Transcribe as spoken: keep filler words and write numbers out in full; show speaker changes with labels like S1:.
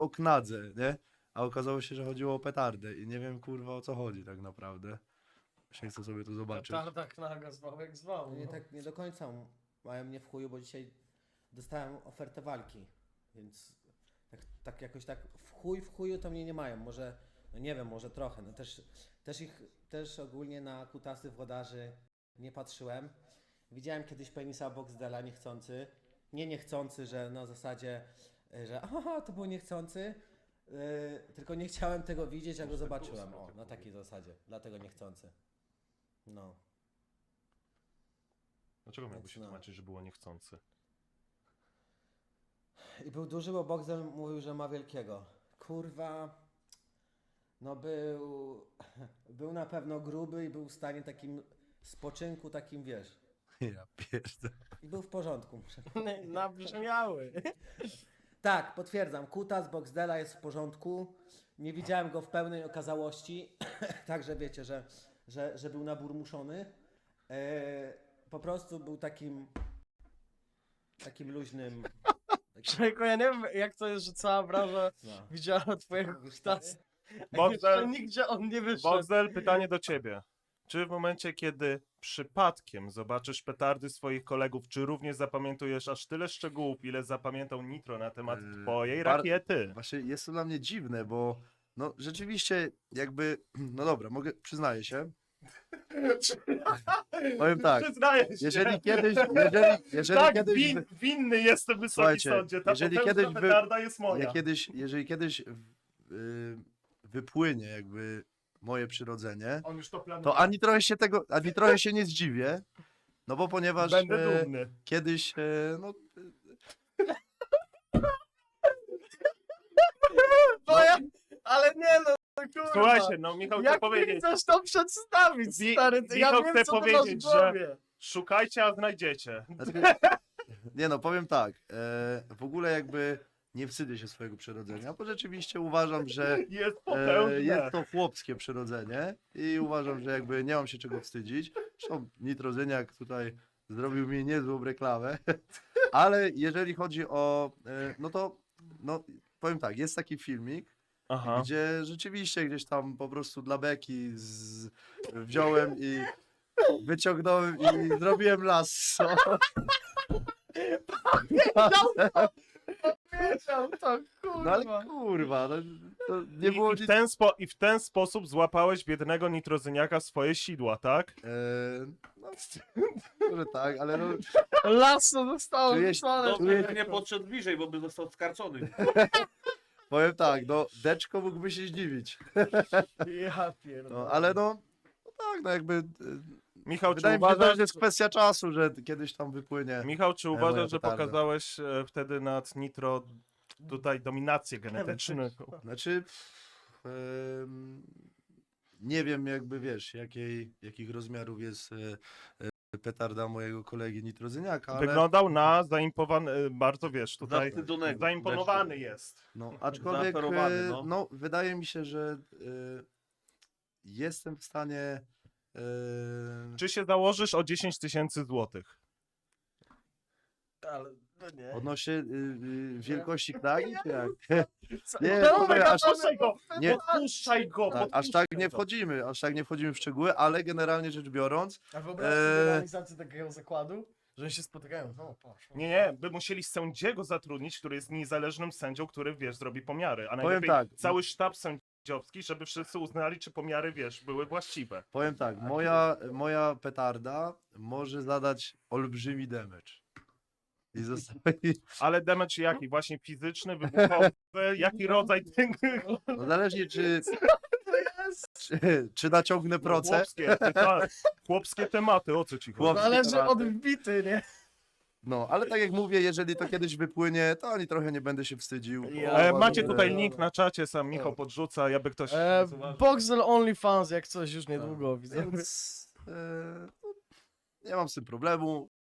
S1: o knadze, nie? A okazało się, że chodziło o petardę i nie wiem kurwa o co chodzi tak naprawdę. Właśnie chcę sobie to zobaczyć.
S2: Petarda, knaga, zwał jak zwał.
S3: No nie
S2: No.
S3: tak nie do końca m- mają mnie w chuju, bo dzisiaj dostałem ofertę walki, więc tak, tak jakoś tak w chuj w chuju to mnie nie mają, może, no nie wiem, może trochę, no też, też ich, też ogólnie na kutasy włodarzy nie patrzyłem. Widziałem kiedyś penisa Boxdela niechcący, nie niechcący, że na zasadzie, y, że aha, to był niechcący, yy, tylko nie chciałem tego widzieć, jak go zobaczyłem, o, na takiej zasadzie, dlatego niechcący. No.
S4: Dlaczego miałby
S3: Więc
S4: się
S3: no.
S4: tłumaczyć, że było niechcący?
S3: I był duży, bo Boxel mówił, że ma wielkiego. Kurwa, no był, był na pewno gruby i był w stanie takim spoczynku, takim wiesz.
S1: Ja pierdolę.
S3: I był w porządku.
S2: Nabrzmiały.
S3: Tak, potwierdzam, kutas Boxdela jest w porządku. Nie widziałem go w pełnej okazałości, także wiecie, że, że, że był naburmuszony. E, po prostu był takim, takim luźnym. Takim,
S2: Człowieku, ja nie wiem jak to jest, że cała branża
S3: no.
S2: widziała twojego
S3: Mówisz,
S2: kutasa.
S4: Boxdel-
S2: Jeszcze nigdzie on nie wyszedł.
S4: Boxdel, pytanie do ciebie. Czy w momencie, kiedy przypadkiem zobaczysz petardy swoich kolegów, czy również zapamiętujesz aż tyle szczegółów, ile zapamiętał Nitro na temat
S1: Yy,
S4: twojej
S1: bar-
S4: rakiety?
S1: Właśnie jest to dla mnie dziwne, bo no rzeczywiście jakby, no dobra, mogę, przyznaję się. Powiem tak,
S4: Przyznaję się.
S1: jeżeli kiedyś, jeżeli, jeżeli
S4: tak,
S1: kiedyś,
S4: win, winny jestem Wysoki
S1: Słuchajcie,
S4: Sądzie. Ta
S1: jeżeli
S4: potężna
S1: kiedyś wy-
S4: petarda jest moja.
S1: ja kiedyś, jeżeli kiedyś w- y, wypłynie jakby moje przyrodzenie,
S4: On już to planuje.
S1: to ani trochę się tego, ani trochę się nie zdziwię, no bo ponieważ
S4: Będę
S1: e,
S4: dumny.
S1: kiedyś, e, no
S2: No ja, ale nie no, no kurwa.
S4: Słuchajcie, no Michał chce
S2: Jak ty
S4: powiedzieć.
S2: chcesz to przedstawić,
S4: Wi-
S2: stary? Ty, ja
S4: Michał
S2: wiem,
S4: chce
S2: co ty
S4: powiedzieć,
S2: masz w głowie.
S4: Szukajcie, a znajdziecie.
S1: dlatego, nie no, powiem tak, e, w ogóle jakby nie wstydzę się swojego przyrodzenia, bo rzeczywiście uważam, że
S4: Jest
S1: e,
S4: potężne.
S1: jest to chłopskie przyrodzenie i uważam, że jakby nie mam się czego wstydzić. Zresztą Nitrozyniak tutaj zrobił mi niezłą reklamę, ale jeżeli chodzi o, e, no to, no powiem tak, jest taki filmik,
S4: Aha.
S1: gdzie rzeczywiście gdzieś tam po prostu dla beki z... wziąłem i wyciągnąłem i zrobiłem lasso.
S2: Wiedział to, kurwa.
S1: No ale kurwa, no, to nie
S4: I,
S1: było
S4: i, w
S1: nic...
S4: ten spo, I w ten sposób złapałeś biednego nitrozyniaka w swoje sidła, tak?
S1: E, no, może tak, ale no,
S2: Lasso zostało
S1: Czujesz-
S2: wysłane.
S1: Dobrze,
S5: Dobrze,
S1: że
S5: że nie podszedł bliżej, bo by został skarcony.
S1: powiem tak, no Deczko mógłby się zdziwić.
S2: Ja pierdolę.
S1: No, ale no, no tak, no jakby... e,
S4: Michał, czy
S1: Wydaje mi się, że
S4: uważasz,
S1: to jest kwestia czasu, że kiedyś tam wypłynie.
S4: Michał, czy
S1: moja
S4: uważasz, że
S1: petarda.
S4: pokazałeś e, wtedy nad nitro tutaj dominację genetyczną?
S1: Znaczy, em, nie wiem jakby wiesz, jakiej, jakich rozmiarów jest e, e, petarda mojego kolegi Nitrozyniaka, ale
S4: Wyglądał na zaimpowany, e, bardzo wiesz, tutaj
S5: Zawstydzonego.
S4: zaimponowany jest.
S1: no, aczkolwiek
S5: Zaaferowany,
S1: e,
S5: no.
S1: no, wydaje mi się, że e, jestem w stanie e,
S4: Czy się założysz o dziesięć tysięcy złotych?
S2: Ale, no nie.
S1: odnośnie y, y, wielkości knagi, czy jak?
S2: Co-
S1: Nie,
S2: No,
S1: słuchaj,
S2: mega
S1: aż-
S4: Podpuszczaj go!
S1: nie-
S4: Podpuszczaj go!
S1: Tak, aż
S4: podpuszczaj
S1: tak nie
S4: go.
S1: wchodzimy, aż tak nie wchodzimy w szczegóły, ale generalnie rzecz biorąc,
S2: A wyobraź sobie
S1: Eee.
S2: realizację takiego zakładu, że oni się spotykają. No, poszło.
S4: Nie, nie, by musieli sędziego zatrudnić, który jest niezależnym sędzią, który, wiesz, zrobi pomiary. A
S1: Powiem
S4: najlepiej
S1: tak.
S4: cały sztab sędziowski, żeby wszyscy uznali, czy pomiary, wiesz, były właściwe.
S1: powiem tak, moja, moja petarda może zadać olbrzymi damage. I zostawi,
S4: Ale damage jaki? Właśnie fizyczny, wybuchowy? Jaki rodzaj tego?
S1: no zależnie czy,
S2: To jest.
S1: czy, czy naciągnę proce.
S4: Chłopskie, pyta- chłopskie tematy, o co ci chodzi?
S1: Chłopskie
S2: Zależy
S1: tematy.
S2: od wbity, nie?
S1: No, ale tak jak mówię, jeżeli to kiedyś wypłynie, to ani trochę nie będę się wstydził. bo
S2: Ja-
S4: E,
S1: uważam,
S4: macie
S1: że-
S4: tutaj link na czacie, sam Michał podrzuca, jakby ktoś...
S2: E, Boxel OnlyFans, jak coś już niedługo, widzę.
S1: Więc e, no, nie mam z tym problemu.